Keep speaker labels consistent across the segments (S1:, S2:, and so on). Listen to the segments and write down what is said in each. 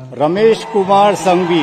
S1: रमेश कुमार संघवी,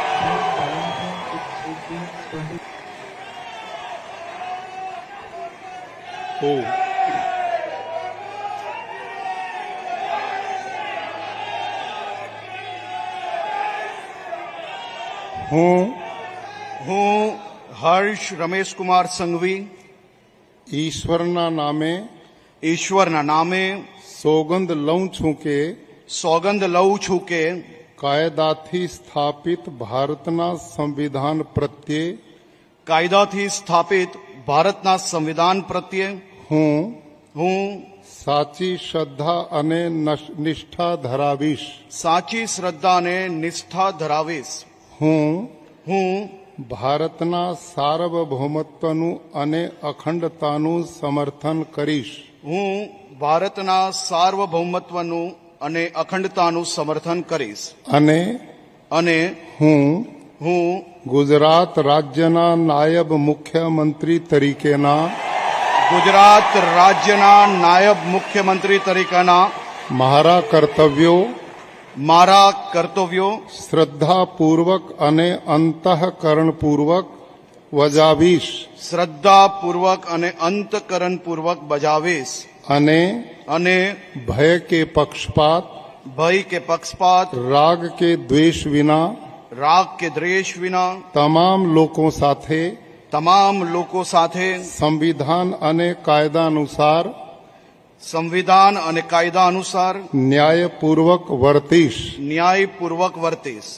S2: હું હર્ષ રમેશ કુમાર સંઘવી
S3: ઈશ્વરના નામે
S2: ઈશ્વરના નામે
S3: સોગંદ લઉં છું કે
S2: સોગંદ લઉં છું કે
S3: કાયદાથી સ્થાપિત ભારતના સંવિધાન પ્રત્યે
S2: કાયદાથી સ્થાપિત ભારતના સંવિધાન પ્રત્યે હું
S3: સાચી શ્રદ્ધા અને નિષ્ઠા ધરાવીશ.
S2: સાચી શ્રદ્ધા અને નિષ્ઠા ધરાવીશ. હું
S3: ભારતના સાર્વભૌમત્વનું અને અખંડતાનું સમર્થન કરીશ.
S2: હું ભારતના સાર્વભૌમત્વનું અને અખંડતાનું સમર્થન કરીશ. અને હું
S3: ગુજરાત રાજ્યના નાયબ મુખ્યમંત્રી તરીકેના
S2: ગુજરાત રાજ્યના નાયબ મુખ્યમંત્રી તરીકેના
S3: મારા કર્તવ્યો શ્રદ્ધાપૂર્વક અને અંતઃકરણપૂર્વક બજાવીશ.
S2: શ્રદ્ધાપૂર્વક અને અંતઃકરણપૂર્વક બજાવીશ. અને
S3: ભય કે પક્ષપાત રાગ કે દ્વેષ વિના તમામ લોકો સાથે સંવિધાન અને કાયદા અનુસાર ન્યાયપૂર્વક વર્તીશ.